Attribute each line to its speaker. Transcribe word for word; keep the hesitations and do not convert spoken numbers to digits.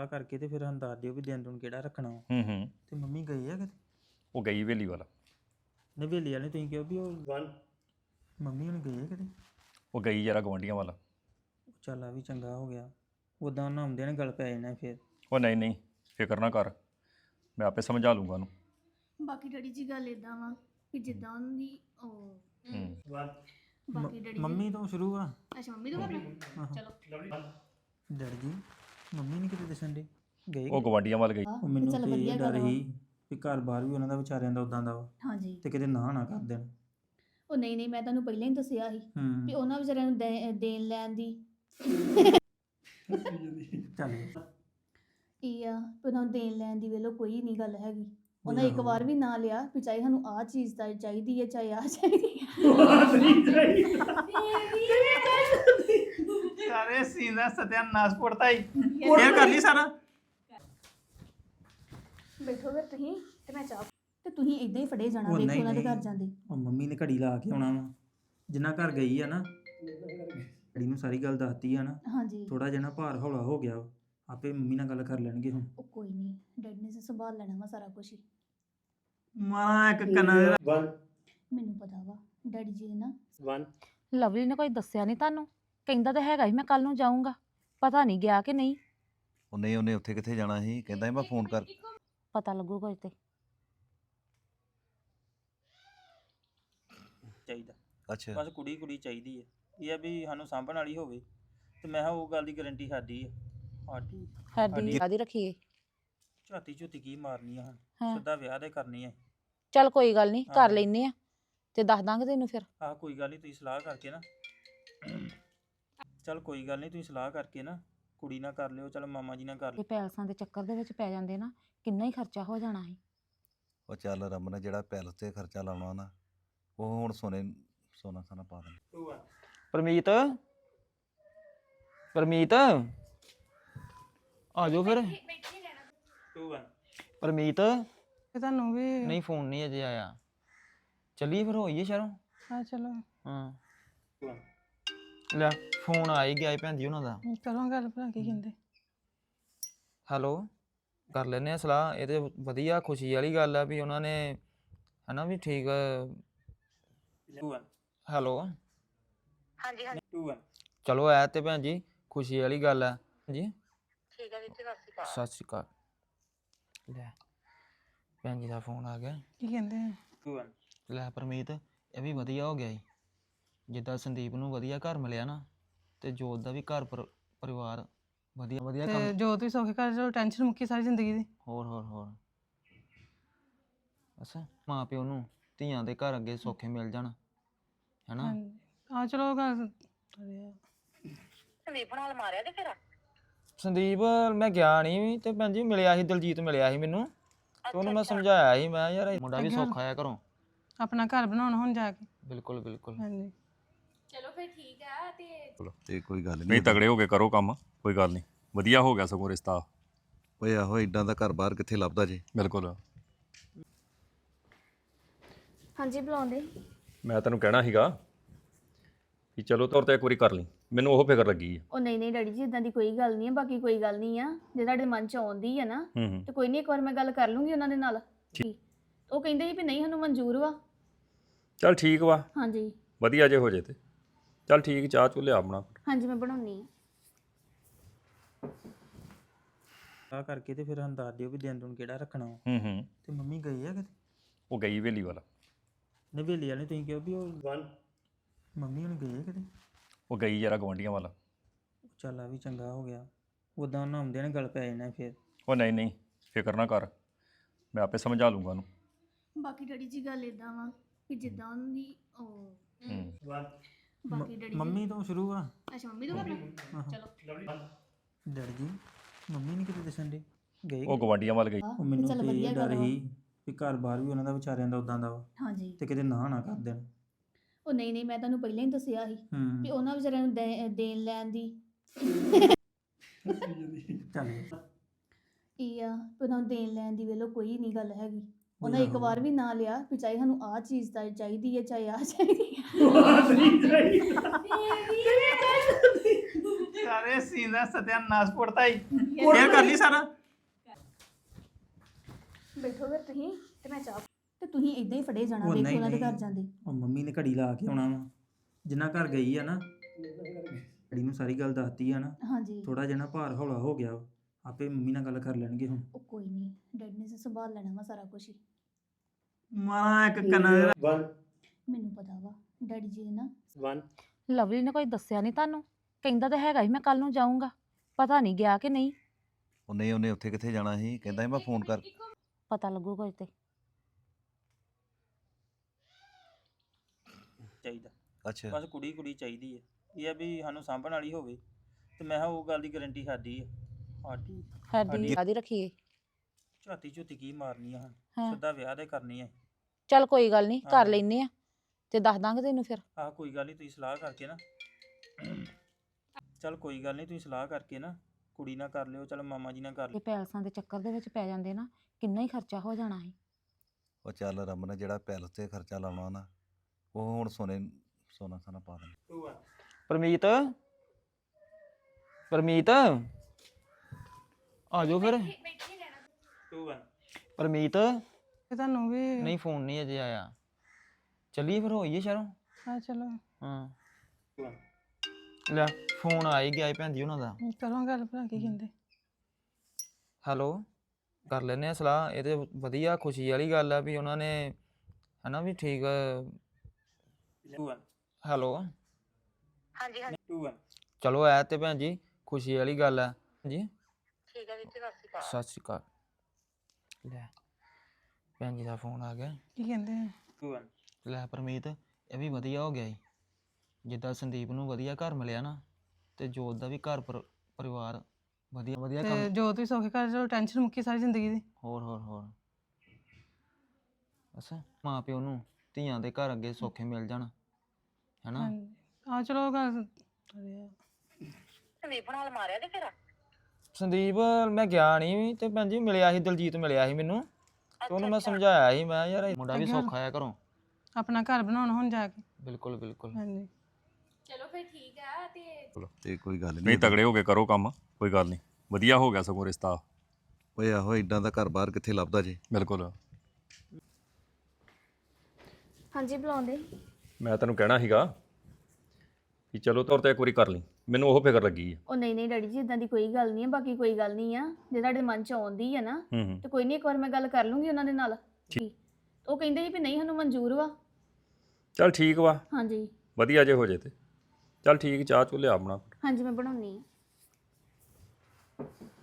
Speaker 1: ਸਲਾਹ ਕਰਕੇ ਤੇ ਫਿਰ ਸਾਨੂੰ ਦੱਸ ਦਿਓ ਵੀ ਦਿਨ ਦੁਨ ਕਿਹੜਾ ਰੱਖਣਾ ਵਾ।
Speaker 2: ਹੂੰ ਹੂੰ
Speaker 1: ਤੇ ਮੰਮੀ ਗਈ ਆ ਕਿਤੇ
Speaker 2: ਉਹ ਗਈ ਵੇਲੀ ਵਾਲਾ
Speaker 1: ਨਵੇਲੀ ਵਾਲੇ ਤੁਸੀਂ ਕਿਹਾ ਵੀ ਉਹ ਮੰਮੀ ਹੁਣ ਗਏ ਆ ਕਿਤੇ
Speaker 2: ਉਹ ਗਈ ਯਾਰਾ ਗਵਾਂਢੀਆਂ ਵਾਲਾ
Speaker 1: ਚੱਲ ਆ ਵੀ ਚੰਗਾ ਹੋ ਗਿਆ ਉਦਾਂ ਉਹਨਾਂ ਆਉਂਦੇ ਨੇ ਗੱਲ ਪੈ ਜਾਣਾ ਫਿਰ
Speaker 2: ਉਹ ਨਹੀਂ ਨਹੀਂ ਫਿਕਰ ਨਾ ਕਰ ਮੈਂ ਆਪੇ ਸਮਝਾ ਲੂੰਗਾ ਉਹਨੂੰ
Speaker 3: ਬਾਕੀ ਡੈਡੀ ਜੀ ਗੱਲ ਇਦਾਂ ਵਾ ਕਿ ਜਿੱਦਾਂ ਉਹਦੀ ਉਹ
Speaker 2: ਹੂੰ
Speaker 3: ਬਾਕੀ ਡੈਡੀ ਜੀ
Speaker 1: ਮੰਮੀ ਤੋਂ ਸ਼ੁਰੂ ਆ
Speaker 3: ਅੱਛਾ ਮੰਮੀ ਤੋਂ ਕਰਨਾ ਚਲੋ
Speaker 1: ਡੈਡੀ ਜੀ ਮੰਮੀ ਨਹੀਂ ਕਿਤੇ ਦੱਸਣ ਦੇ ਗਏ
Speaker 2: ਉਹ ਗਵਾਂਢੀਆਂ ਵੱਲ ਗਈ
Speaker 1: ਉਹ ਮੈਨੂੰ ਤੇ ਇਹ ਡਰ ਸੀ ਵੀ ਘਰ ਬਾਹਰ ਵੀ ਉਹਨਾਂ ਦਾ ਵਿਚਾਰਿਆਂ ਦਾ ਉਦਾਂ ਦਾ ਵਾ
Speaker 3: ਹਾਂਜੀ
Speaker 1: ਤੇ ਕਿਤੇ ਨਾ ਨਾ ਕਰ ਦੇਣ
Speaker 3: ਉਹ ਨਹੀਂ ਨਹੀਂ ਮੈਂ ਤੁਹਾਨੂੰ ਪਹਿਲਾਂ ਹੀ ਦੱਸਿਆ ਸੀ ਵੀ
Speaker 1: ਹੂੰ
Speaker 3: ਉਹਨਾਂ ਵਿਚਾਰਿਆਂ ਨੂੰ ਦੇ- ਦੇਣ ਲੈਣ ਦੀ
Speaker 1: ਚੱਲ
Speaker 3: ਇਹ ਆ ਵੀ ਉਹਨਾਂ ਨੂੰ ਦੇਣ ਲੈਣ ਦੀ ਵੇਲੋ ਕੋਈ ਨਹੀਂ ਗੱਲ ਹੈਗੀ ਉਹਨਾਂ ਇੱਕ ਵਾਰ ਵੀ ਨਾ ਲਿਆ ਵੀ ਚਾਹੇ ਸਾਨੂੰ ਆਹ ਚੀਜ਼ ਦਾ ਚਾਹੀਦੀ ਹੈ ਚਾਹੇ ਆਹ ਚਾਹੀਦੀ
Speaker 1: ਸਾਰੇ ਸੀਨਾ ਸਤਿਆਨਾਸ਼ ਪੜਤਾ ਹੀ ਫੇਰ ਕਰ ਲਈ ਸਾਰਾ
Speaker 3: ਬੈਠੋ ਫਿਰ ਤੁਸੀਂ ਤੇ ਮੈਂ ਚਾਹ ਤੇ ਤੁਸੀਂ ਇਦਾਂ ਹੀ ਫੜੇ ਜਾਣਾ
Speaker 1: ਉਹ
Speaker 3: ਦੇਖੋ
Speaker 1: ਨਹੀਂ,
Speaker 3: ਉਹਨਾਂ ਦੇ ਘਰ
Speaker 1: ਨਹੀਂ।
Speaker 3: ਜਾਂਦੇ
Speaker 1: ਉਹ ਮੰਮੀ ਨੇ ਘੜੀ ਲਾ ਕੇ ਆਉਣਾ ਵਾ ਜਿੰਨਾ ਘਰ ਗਈ ਆ ਨਾ ਘੜੀ ਨੂੰ ਸਾਰੀ ਗੱਲ ਦੱਸਤੀ ਆ ਨਾ
Speaker 3: ਹਾਂਜੀ
Speaker 1: ਥੋੜਾ ਜਿਹਾ ਨਾ ਭਾਰ ਹੌਲਾ ਹੋ ਗਿਆ ਵਾ। ਆਪੇ ਮੰਮੀ ਨਾਲ ਗੱਲ ਕਰ ਲੈਣਗੇ ਹੁਣ
Speaker 3: ਉਹ ਕੋਈ ਨਹੀਂ ਡੈਡੀ ਨੇ ਸੰਭਾਲ ਲੈਣਾ ਵਾ ਸਾਰਾ ਕੁਝ ਹੀ
Speaker 1: ਮਾਂ ਇੱਕ ਕੰਨਾਂ ਦੇ
Speaker 3: ਮੈਨੂੰ ਪਤਾ ਵਾ ਡੈਡੀ ਜੀ ਨੇ ਨਾ
Speaker 4: ਲਵਲੀ ਨੇ ਕੋਈ ਦੱਸਿਆ ਨਹੀਂ ਤੁਹਾਨੂੰ ਕਹਿੰਦਾ ਤਾਂ ਹੈਗਾ ਸੀ ਮੈਂ ਕੱਲ ਨੂੰ ਜਾਊਂਗਾ ਪਤਾ ਨਹੀਂ ਗਿਆ ਕਿ ਨਹੀਂ
Speaker 5: ਉਹ ਨਹੀਂ ਉਹਨੇ ਉੱਥੇ ਕਿੱਥੇ ਜਾਣਾ ਸੀ ਕਹਿੰਦਾ ਸੀ ਮੈਂ ਫੋਨ ਕਰ
Speaker 4: ਪਤਾ ਲੱਗੂ ਕੋਈ ਤੇ
Speaker 1: ਚਾਹੀਦਾ
Speaker 5: ਅੱਛਾ
Speaker 1: ਬਸ ਕੁੜੀ ਕੁੜੀ ਚਾਹੀਦੀ ਹੈ ਇਹ ਆ ਵੀ ਸਾਨੂੰ ਸਾਂਭਣ ਵਾਲੀ ਹੋਵੇ ਤੇ ਮੈਂ ਕਿਹਾ ਉਹ ਗੱਲ ਦੀ ਗਾਰੰਟੀ ਸਾਡੀ ਆ ਸਾਡੀ
Speaker 4: ਸਾਡੀ ਆਦੀ ਰੱਖੀਏ
Speaker 1: ਝਾਤੀ ਝੁੱਤੀ ਕੀ ਮਾਰਨੀ ਆ ਹੁਣ
Speaker 4: ਹਾਂ
Speaker 1: ਸਿੱਧਾ ਵਿਆਹ ਦੇ ਕਰਨੀ ਆ
Speaker 4: ਚੱਲ ਕੋਈ ਗੱਲ ਨਹੀਂ
Speaker 1: ਹਾਂ।
Speaker 4: ਕਰ ਲੈਨੇ ਆ ਤੇ ਦੱਸ ਦਾਂਗੇ ਤੈਨੂੰ ਫਿਰ
Speaker 1: ਆਹ ਕੋਈ ਗੱਲ ਨਹੀਂ ਤੁਸੀਂ ਸਲਾਹ ਕਰਕੇ ਨਾ ਚੱਲ ਕੋਈ ਗੱਲ ਨਹੀਂ ਤੁਸੀਂ ਸਲਾਹ ਕਰਕੇ ਨਾ ਕੁੜੀ ਨਾਲ ਕਰ ਲਿਓ ਚੱਲ ਮਾਮਾ ਜੀ ਨਾਲ ਕਰ
Speaker 4: ਇਹ
Speaker 1: ਲਿਓ
Speaker 4: ਪੈਲਸਾਂ ਦੇ ਚੱਕਰ ਦੇ ਵਿੱਚ ਪੈ ਜਾਂਦੇ ਨਾ ਕਿੰਨਾ ਹੀ ਖਰਚਾ ਹੋ ਜਾਣਾ ਸੀ
Speaker 5: ਉਹ ਚੱਲ ਰਮਨ ਨੇ ਜਿਹੜਾ ਪੈਲਸ ਤੇ ਖਰਚਾ ਲਾਉਣਾ ਨਾ ਉਹ ਹੁਣ ਸੋਨੇ ਸੋਨਾ ਸਾਨਾ ਪਾ ਦੇਣਾ
Speaker 6: ਪਰਮੀਤ ਪਰਮੀਤ ਆ ਜਾਓ ਫਿਰ ਪਰਮੀਤ
Speaker 7: ਤੇ ਤੁਹਾਨੂੰ ਵੀ
Speaker 6: ਨਹੀਂ ਫੋਨ ਨਹੀਂ ਅਜੇ ਆਇਆ ਚੱਲੀਏ ਫਿਰ ਹੋਈਏ ਸ਼ਹਿਰੋਂ
Speaker 7: ਹਾਂ ਚਲੋ
Speaker 6: ਹਾਂ ਲੈ ਫੋਨ ਆ ਹੀ ਗਿਆ ਈ ਭੈਣ ਜੀ ਉਹਨਾਂ ਦਾ
Speaker 7: ਕਰੋ ਗੱਲ ਭਰਾ ਕੀ ਕਹਿੰਦੇ
Speaker 6: ਹੈਲੋ ਕਰ ਲੈਨੇ ਆ ਸਲਾਹ ਇਹ ਤੇ ਵਧੀਆ ਖੁਸ਼ੀ ਵਾਲੀ ਗੱਲ ਆ ਵੀ ਉਹਨਾਂ ਨੇ ਹਨਾ ਵੀ ਠੀਕ ਹੈਲੋ
Speaker 8: ਹਾਂਜੀ ਹਾਂਜੀ
Speaker 6: ਚਲੋ ਐ ਤੇ ਭੈਣ ਜੀ ਖੁਸ਼ੀ ਵਾਲੀ ਗੱਲ ਆ ਜੀ
Speaker 8: ਠੀਕ ਹੈ ਵੀਰ ਜੀ ਸਤਿ ਸ਼੍ਰੀ ਅਕਾਲ
Speaker 6: ਸਤਿ ਸ਼੍ਰੀ ਅਕਾਲ ਲੈ ਭੈਣ ਜੀ ਦਾ ਫੋਨ ਆ ਗਿਆ
Speaker 7: ਕੀ ਕਹਿੰਦੇ
Speaker 6: ਲੈ ਪਰਮੀਤ ਇਹ ਵੀ ਵਧੀਆ ਹੋ ਗਿਆ ਜੀ ਜਿੱਦਾਂ ਸੰਦੀਪ ਨੂੰ ਵਧੀਆ ਘਰ ਮਿਲਿਆ ਨਾ ਤੇ ਜੋਤ ਦਾ ਵੀ ਘਰ ਪਰ- ਪਰਿਵਾਰ ਵਧੀਆ ਵਧੀਆ
Speaker 7: ਤੇ
Speaker 6: ਕੰਮ
Speaker 7: ਜੋ ਤੁਸੀਂ ਸੌਖੇ ਕਰ ਜੋ ਟੈਨਸ਼ਨ ਮੁੱਕੀ ਸਾਰੀ ਜ਼ਿੰਦਗੀ ਦੀ
Speaker 6: ਹੋਰ ਹੋਰ ਹੋਰ ਅੱਛਾ ਮਾਂ ਪਿਓ ਨੂੰ ਧੀਆਂ ਦੇ ਘਰ ਅੱਗੇ ਸੌਖੇ ਮਿਲ ਜਾਣ ਹੈਨਾ
Speaker 7: ਹਾਂਜੀ ਆ ਚਲੋ ਗੱਲ
Speaker 8: ਸੰਦੀਪ ਨਾਲ ਮਾਰਿਆ ਤੇ ਫਿਰ
Speaker 6: ਸੰਦੀਪ ਮੈਂ ਗਿਆ ਨਹੀਂ ਤੇ ਭੈਣ ਜੀ ਮਿਲਿਆ ਸੀ ਦਲਜੀਤ ਮਿਲਿਆ ਸੀ ਮੈਨੂੰ ਤੇ ਉਹਨੂੰ ਮੈਂ ਸਮਝਾਇਆ ਸੀ ਮੈਂ ਯਾਰ ਇਹ ਮੁੰਡਾ ਵੀ
Speaker 7: ਅੱਗੇ ਹੁਣ-
Speaker 6: ਸੌਖਾ ਆ ਘਰੋਂ
Speaker 7: ਆਪਣਾ ਘਰ ਬਣਾਉਣਾ ਹੁਣ ਜਾ ਕੇ
Speaker 6: ਬਿਲਕੁਲ ਬਿਲਕੁਲ
Speaker 7: ਹਾਂਜੀ
Speaker 3: ਚਲੋ ਫਿਰ ਠੀਕ ਆ ਤੇ
Speaker 5: ਚਲੋ ਤੇ ਕੋਈ ਗੱਲ
Speaker 2: ਨਹੀਂ
Speaker 5: ਨਹੀਂ
Speaker 2: ਤਗੜੇ ਹੋ ਕੇ ਕਰੋ ਕੰਮ ਕੋਈ ਗੱਲ ਨਹੀਂ ਵਧੀਆ ਹੋ ਗਿਆ ਸਗੋਂ ਰਿਸ਼ਤਾ
Speaker 5: ਓਏ ਆਹੋ ਇਦਾਂ ਦਾ ਘਰ ਬਾਹਰ ਕਿੱਥੇ ਲੱਭਦਾ ਜੀ
Speaker 2: ਬਿਲਕੁਲ
Speaker 3: ਹਾਂਜੀ ਬੁਲਾਉਂਦੇ
Speaker 2: ਮੈਂ ਤੈਨੂੰ ਕਹਿਣਾ ਸੀਗਾ ਕਿ ਚਲੋ ਤੌਰ ਤੇ ਇੱਕ ਵਾਰੀ ਕਰ ਲਈ ਮੈਨੂੰ ਉਹ ਫਿਕਰ ਲੱਗੀ ਆ
Speaker 3: ਉਹ ਨਹੀਂ ਨਹੀਂ ਡੈਡੀ ਜੀ ਇਦਾਂ ਦੀ ਕੋਈ ਗੱਲ ਨਹੀਂ ਹੈ ਬਾਕੀ ਕੋਈ ਗੱਲ ਨਹੀਂ ਆ ਜੇ ਤੁਹਾਡੇ ਮਨ ਚ ਆਉਂਦੀ ਹੈ ਨਾ
Speaker 2: ਹੂੰ ਹੂੰ
Speaker 3: ਤੇ ਕੋਈ ਨਹੀਂ ਇੱਕ ਵਾਰ ਮੈਂ ਗੱਲ ਕਰ ਲੂੰਗੀ ਉਹਨਾਂ ਦੇ ਨਾਲ ਉਹ ਕਹਿੰਦੇ ਸੀ ਵੀ ਨਹੀਂ ਸਾਨੂੰ ਮਨਜ਼ੂਰ ਵਾ
Speaker 2: ਚੱਲ ਠੀਕ ਵਾ
Speaker 3: ਹਾਂਜੀ
Speaker 2: ਵਧੀਆ ਜੇ ਹੋ ਜੇ ਤੇ ਚੱਲ ਠੀਕ ਚਾਹ ਚੁ ਲਿਆ ਆਪਣਾ
Speaker 3: ਹਾਂਜੀ ਮੈਂ ਬਣਾਉਣੀ ਆ
Speaker 1: ਸਲਾਹ ਕਰਕੇ ਤੇ ਫਿਰ ਸਾਨੂੰ ਦੱਸ ਦਿਓ ਵੀ ਦਿਨ ਦੁਨ ਕਿਹੜਾ ਰੱਖਣਾ ਵਾ।
Speaker 2: ਹੂੰ ਹੂੰ
Speaker 1: ਤੇ ਮੰਮੀ ਗਈ ਆ ਕਿਤੇ
Speaker 2: ਉਹ ਗਈ ਵੇਲੀ ਵਾਲਾ
Speaker 1: ਨਵੇਲੀ ਵਾਲੇ ਤੁਸੀਂ ਕਿਹਾ ਵੀ ਉਹ ਮੰਮੀ ਹੁਣ ਗਏ ਆ ਕਿਤੇ
Speaker 2: ਉਹ ਗਈ ਯਾਰਾ ਗਵਾਂਢੀਆਂ ਵਾਲਾ
Speaker 1: ਚੱਲ ਆ ਵੀ ਚੰਗਾ ਹੋ ਗਿਆ ਉਦਾਂ ਉਹਨਾਂ ਆਉਂਦੇ ਨੇ ਗੱਲ ਪੈ ਜਾਣਾ ਫਿਰ
Speaker 2: ਉਹ ਨਹੀਂ ਨਹੀਂ ਫਿਕਰ ਨਾ ਕਰ ਮੈਂ ਆਪੇ ਸਮਝਾ ਲੂੰਗਾ ਉਹਨੂੰ
Speaker 3: ਬਾਕੀ ਡੈਡੀ ਜੀ ਗੱਲ ਇਦਾਂ ਵਾ ਕਿ ਜਿੱਦਾਂ ਉਹਦੀ ਉਹ
Speaker 2: ਹੂੰ
Speaker 3: ਬਾਕੀ ਡੈਡੀ ਜੀ
Speaker 1: ਮੰਮੀ ਤੋਂ ਸ਼ੁਰੂ ਆ
Speaker 3: ਅੱਛਾ ਮੰਮੀ ਤੋਂ ਕਰਨਾ ਚਲੋ
Speaker 1: ਡੈਡੀ ਜੀ ਮੰਮੀ ਨਹੀਂ ਕਿਤੇ ਦੱਸਣ ਦੇ ਗਏ
Speaker 2: ਉਹ ਗਵਾਂਢੀਆਂ ਵੱਲ ਗਈ
Speaker 1: ਉਹ ਮੈਨੂੰ
Speaker 3: ਚੱਲ
Speaker 1: ਤੇ
Speaker 3: ਵਧੀਆ
Speaker 1: ਇਹ ਡਰ
Speaker 3: ਗੱਲ ਵਾ।
Speaker 1: ਸੀ ਵੀ ਘਰ ਬਾਹਰ ਵੀ ਉਹਨਾਂ ਦਾ ਵਿਚਾਰਿਆਂ ਦਾ ਉਦਾਂ ਦਾ ਵਾ
Speaker 3: ਹਾਂਜੀ
Speaker 1: ਤੇ ਕਿਤੇ ਨਾ ਨਾ ਕਰ ਦੇਣ
Speaker 3: ਉਹ ਨਹੀਂ ਨਹੀਂ ਮੈਂ ਤੁਹਾਨੂੰ ਪਹਿਲਾਂ ਹੀ ਦੱਸਿਆ ਸੀ ਵੀ
Speaker 1: ਹੂੰ
Speaker 3: ਉਹਨਾਂ ਵਿਚਾਰਿਆਂ ਨੂੰ ਦੇ- ਦੇਣ ਲੈਣ ਦੀ
Speaker 1: ਚੱਲ
Speaker 3: ਇਹ ਆ ਵੀ ਉਹਨਾਂ ਨੂੰ ਦੇਣ ਲੈਣ ਦੀ ਵੇਲੋ ਕੋਈ ਨਹੀਂ ਗੱਲ ਹੈਗੀ ਉਹਨਾਂ ਇੱਕ
Speaker 1: ਆਹੋ।
Speaker 3: ਵਾਰ ਵੀ ਨਾ ਲਿਆ ਵੀ ਚਾਹੇ ਸਾਨੂੰ ਆਹ ਚੀਜ਼ ਦਾ ਚਾਹੀਦੀ ਹੈ ਚਾਹੇ ਆਹ ਚਾਹੀਦੀ ਹੈ
Speaker 1: ਸਾਰੇ ਸੀਨ ਦਾ ਸਤਿਆਨਾਸ਼ ਪੁੱਟਦਾ ਹੀ ਫੇਰ ਕਰ ਲਈ ਸਾਰਾ
Speaker 3: ਬੈਠੋ ਫਿਰ ਤੁਸੀਂ ਤੇ ਮੈਂ ਚਾਹ ਤੇ ਤੁਸੀਂ ਇਦਾਂ ਹੀ ਫੜੇ ਜਾਣਾ
Speaker 1: ਉਹ
Speaker 3: ਵੇਖੋ
Speaker 1: ਨਹੀਂ,
Speaker 3: ਉਹਨਾਂ ਦੇ ਘਰ
Speaker 1: ਨਹੀਂ।
Speaker 3: ਜਾਂਦੇ
Speaker 1: ਉਹ ਮੰਮੀ ਨੇ ਘੜੀ ਲਾ ਕੇ ਆਉਣਾ ਵਾ ਜਿੰਨਾ ਘਰ ਗਈ ਆ ਨਾ ਘੜੀ ਨੂੰ ਸਾਰੀ ਗੱਲ ਦੱਸਤੀ ਆ ਨਾ
Speaker 3: ਹਾਂਜੀ
Speaker 1: ਥੋੜਾ ਜਿਹਾ ਨਾ ਭਾਰ ਹੌਲਾ ਹੋ ਗਿਆ ਵਾ। ਆਪੇ ਮੰਮੀ ਨਾਲ ਗੱਲ ਕਰ ਲੈਣਗੇ ਹੁਣ
Speaker 3: ਉਹ ਕੋਈ ਨਹੀਂ ਡੈਡੀ ਨੇ ਸੰਭਾਲ ਲੈਣਾ ਵਾ ਸਾਰਾ ਕੁਝ ਹੀ
Speaker 1: ਮਾਂ ਇੱਕ ਕੰਨਾਂ ਦੇ
Speaker 3: ਮੈਨੂੰ ਪਤਾ ਵਾ ਡੈਡੀ ਜੀ ਨੇ ਨਾ
Speaker 4: ਲਵਲੀ ਨੇ ਕੋਈ ਦੱਸਿਆ ਨਹੀਂ ਤੁਹਾਨੂੰ ਕਹਿੰਦਾ ਤਾਂ ਹੈਗਾ ਸੀ ਮੈਂ ਕੱਲ ਨੂੰ ਜਾਊਂਗਾ ਪਤਾ ਨਹੀਂ ਗਿਆ ਕਿ ਨਹੀਂ
Speaker 5: ਉਹ ਨਹੀਂ ਉਹਨੇ ਉੱਥੇ ਕਿੱਥੇ ਜਾਣਾ ਸੀ ਕਹਿੰਦਾ ਸੀ ਮੈਂ ਫੋਨ ਕਰ
Speaker 4: ਪਤਾ ਲੱਗੂਗਾ ਤੇ
Speaker 1: ਚਾਹੀਦਾ
Speaker 5: ਅੱਛਾ
Speaker 1: ਬਸ ਕੁੜੀ ਕੁੜੀ ਚਾਹੀਦੀ ਹੈ ਇਹ ਆ ਵੀ ਸਾਨੂੰ ਸਾਂਭਣ ਵਾਲੀ ਹੋਵੇ ਤੇ ਮੈਂ ਕਿਹਾ ਉਹ ਗੱਲ ਦੀ ਗਾਰੰਟੀ ਸਾਡੀ ਆ ਸਾਡੀ
Speaker 4: ਸਾਡੀ ਆਦੀ ਰੱਖੀਏ
Speaker 1: ਝਾਤੀ ਝੁੱਤੀ ਕੀ ਮਾਰਨੀ ਆ ਹੁਣ
Speaker 4: ਹਾਂ।
Speaker 1: ਸਿੱਧਾ ਵਿਆਹ ਦੇ ਕਰਨੀ ਆ
Speaker 4: ਚੱਲ ਕੋਈ ਗੱਲ ਨਹੀਂ ਕਰ
Speaker 1: ਹਾਂ।
Speaker 4: ਲੈਨੇ ਆ ਤੇ ਦੱਸ ਦਾਂਗੇ ਤੈਨੂੰ ਫਿਰ
Speaker 1: ਆਹ ਕੋਈ ਗੱਲ ਨਹੀਂ ਤੁਸੀਂ ਸਲਾਹ ਕਰਕੇ ਨਾ ਚੱਲ ਕੋਈ ਗੱਲ ਨਹੀਂ ਤੁਸੀਂ ਸਲਾਹ ਕਰਕੇ ਨਾ ਕੁੜੀ ਨਾਲ ਕਰ ਲਿਓ ਚੱਲ ਮਾਮਾ ਜੀ ਨਾਲ ਕਰ
Speaker 4: ਇਹ
Speaker 1: ਲਿਓ
Speaker 4: ਪੈਲਸਾਂ ਦੇ ਚੱਕਰ ਦੇ ਵਿੱਚ ਪੈ ਜਾਂਦੇ ਨਾ ਕਿੰਨਾ ਹੀ ਖਰਚਾ ਹੋ ਜਾਣਾ ਸੀ
Speaker 5: ਉਹ ਚੱਲ ਰਮਨ ਜਿਹੜਾ ਪੈਲਸ ਤੇ ਖਰਚਾ ਲਾਉਣਾ ਨਾ ਉਹ ਹੁਣ ਸੋਨੇ ਸੋਨਾ ਸਾਨਾ ਪਾ ਦੇਣਾ
Speaker 6: ਪਰਮੀਤ ਪਰਮੀਤ ਆ ਜਾਓ ਫਿਰ
Speaker 1: ਟੂ ਵਨ
Speaker 6: ਪਰਮੀਤ
Speaker 7: ਤੇ ਤੁਹਾਨੂੰ ਵੀ
Speaker 6: ਨਹੀਂ ਫੋਨ ਨਹੀਂ ਅਜੇ ਆਇਆ ਚੱਲੀਏ ਫਿਰ ਹੋਈਏ ਸ਼ਹਿਰੋਂ
Speaker 7: ਆ ਚਲੋ
Speaker 6: ਹਾਂ ਲੈ ਫੋਨ ਆ ਹੀ ਗਿਆ ਈ ਭੈਣ ਜੀ ਉਹਨਾਂ ਦਾ
Speaker 7: ਕਰੋ ਗੱਲ ਭਲਾ ਕੀ ਕਹਿੰਦੇ
Speaker 6: ਹੈਲੋ ਕਰ ਲੈਨੇ ਆ ਸਲਾਹ ਇਹ ਤੇ ਵਧੀਆ ਖੁਸ਼ੀ ਵਾਲੀ ਗੱਲ ਆ ਵੀ ਉਹਨਾਂ ਨੇ ਹਨਾ ਵੀ ਠੀਕ
Speaker 1: ਟੂ ਵਨ
Speaker 6: ਹੈਲੋ
Speaker 8: ਹਾਂਜੀ ਹਾਂਜੀ
Speaker 1: ਟੂ ਵਨ
Speaker 6: ਚਲੋ ਐ ਤੇ ਭੈਣ ਜੀ ਖੁਸ਼ੀ ਵਾਲੀ ਗੱਲ ਆ ਜੀ
Speaker 8: ਠੀਕ ਹੈ ਵੀਰ ਜੀ ਸਤਿ ਸ਼੍ਰੀ ਅਕਾਲ
Speaker 6: ਸਤਿ ਸ਼੍ਰੀ ਅਕਾਲ ਲੈ ਭੈਣ ਜੀ ਦਾ ਫੋਨ ਆ ਗਿਆ
Speaker 7: ਕੀ ਕਹਿੰਦੇ
Speaker 1: ਟੂ ਵਨ
Speaker 6: ਲੈ ਪਰਮੀਤ ਇਹ ਵੀ ਵਧੀਆ ਹੋ ਗਿਆ ਈ ਜਿੱਦਾਂ ਸੰਦੀਪ ਨੂੰ ਵਧੀਆ ਘਰ ਮਿਲਿਆ ਨਾ ਤੇ ਜੋਤ ਦਾ ਵੀ ਘਰ ਪਰ- ਪਰਿਵਾਰ ਵਧੀਆ ਵਧੀਆ
Speaker 7: ਤੇ
Speaker 6: ਕੰਮ
Speaker 7: ਜੋ ਤੁਸੀਂ ਸੌਖੇ ਕਰ ਜੋ ਟੈਨਸ਼ਨ ਮੁੱਕੀ ਸਾਰੀ ਜ਼ਿੰਦਗੀ ਦੀ
Speaker 6: ਹੋਰ ਹੋਰ ਹੋਰ ਬਸ ਮਾਂ ਪਿਓ ਨੂੰ ਧੀਆਂ ਦੇ ਘਰ ਅੱਗੇ ਸੌਖੇ ਮਿਲ ਜਾਣ ਹੈਨਾ
Speaker 7: ਹਾਂਜੀ ਆ ਚਲੋ ਗੱਲ ਅਰੇ
Speaker 8: ਸੰਦੀਪ ਨਾਲ ਮਾਰਿਆ ਤੇ ਫਿਰ
Speaker 6: ਸੰਦੀਪ ਮੈਂ ਗਿਆ ਨਹੀਂ ਤੇ ਭੈਣ ਜੀ ਮਿਲਿਆ ਸੀ ਦਲਜੀਤ ਮਿਲਿਆ ਸੀ ਮੈਨੂੰ ਤੇ ਉਹਨੂੰ ਮੈਂ ਸਮਝਾਇਆ ਸੀ ਮੈਂ ਯਾਰ ਇਹ ਮੁੰਡਾ ਵੀ
Speaker 7: ਅੱਗੇ
Speaker 6: ਸੌਖਾ ਆ ਘਰੋਂ
Speaker 7: ਆਪਣਾ ਘਰ ਬਣਾਉਣਾ ਹੁਣ ਜਾ ਕੇ
Speaker 6: ਬਿਲਕੁਲ ਬਿਲਕੁਲ
Speaker 7: ਹਾਂਜੀ
Speaker 5: ਚਲੋ ਤੇ ਕੋਈ ਗੱਲ
Speaker 2: ਨਹੀਂ
Speaker 5: ਨਹੀਂ
Speaker 2: ਤਗੜੇ ਹੋ ਕੇ ਕਰੋ ਕੰਮ ਕੋਈ ਗੱਲ ਨਹੀਂ ਵਧੀਆ ਹੋ ਗਿਆ ਸਗੋਂ ਰਿਸ਼ਤਾ
Speaker 5: ਓਏ ਆਹੋ ਇਦਾਂ ਦਾ ਘਰ ਬਾਹਰ ਕਿੱਥੇ ਲੱਭਦਾ ਜੇ
Speaker 2: ਬਿਲਕੁਲ
Speaker 3: ਹਾਂਜੀ ਬੁਲਾਉਂਦੇ
Speaker 2: ਮੈਂ ਤੈਨੂੰ ਕਹਿਣਾ ਸੀਗਾ ਕਿ ਚਲੋ ਤੌਰ ਤੇ ਇੱਕ ਵਾਰੀ ਕਰ ਲਈ ਮੈਨੂੰ ਉਹ ਫਿਕਰ ਲੱਗੀ ਹੈ
Speaker 3: ਉਹ ਨਹੀਂ ਨਹੀਂ ਡੈਡੀ ਜੀ ਇਦਾਂ ਦੀ ਕੋਈ ਗੱਲ ਨਹੀਂ ਹੈ ਬਾਕੀ ਕੋਈ ਗੱਲ ਨਹੀਂ ਆ ਜੇ ਤੁਹਾਡੇ ਮਨ ਚ ਆਉਂਦੀ ਹੈ ਨਾ
Speaker 2: ਹੂੰ ਹੂੰ
Speaker 3: ਤੇ ਕੋਈ ਨਹੀਂ ਇੱਕ ਵਾਰ ਮੈਂ ਗੱਲ ਕਰ ਲੂੰਗੀ ਉਹਨਾਂ ਦੇ ਨਾਲ ਉਹ ਕਹਿੰਦੇ ਸੀ ਵੀ ਨਹੀਂ ਸਾਨੂੰ ਮਨਜ਼ੂਰ ਵਾ
Speaker 2: ਚੱਲ ਠੀਕ ਵਾ
Speaker 3: ਹਾਂਜੀ
Speaker 2: ਵਧੀਆ ਜੇ ਹੋ ਜੇ ਤੇ ਚੱਲ ਠੀਕ ਚਾਹ ਚੁ ਲਿਆ ਆਪਣਾ
Speaker 3: ਹਾਂਜੀ ਮੈਂ ਬਣਾਉਣੀ ਆ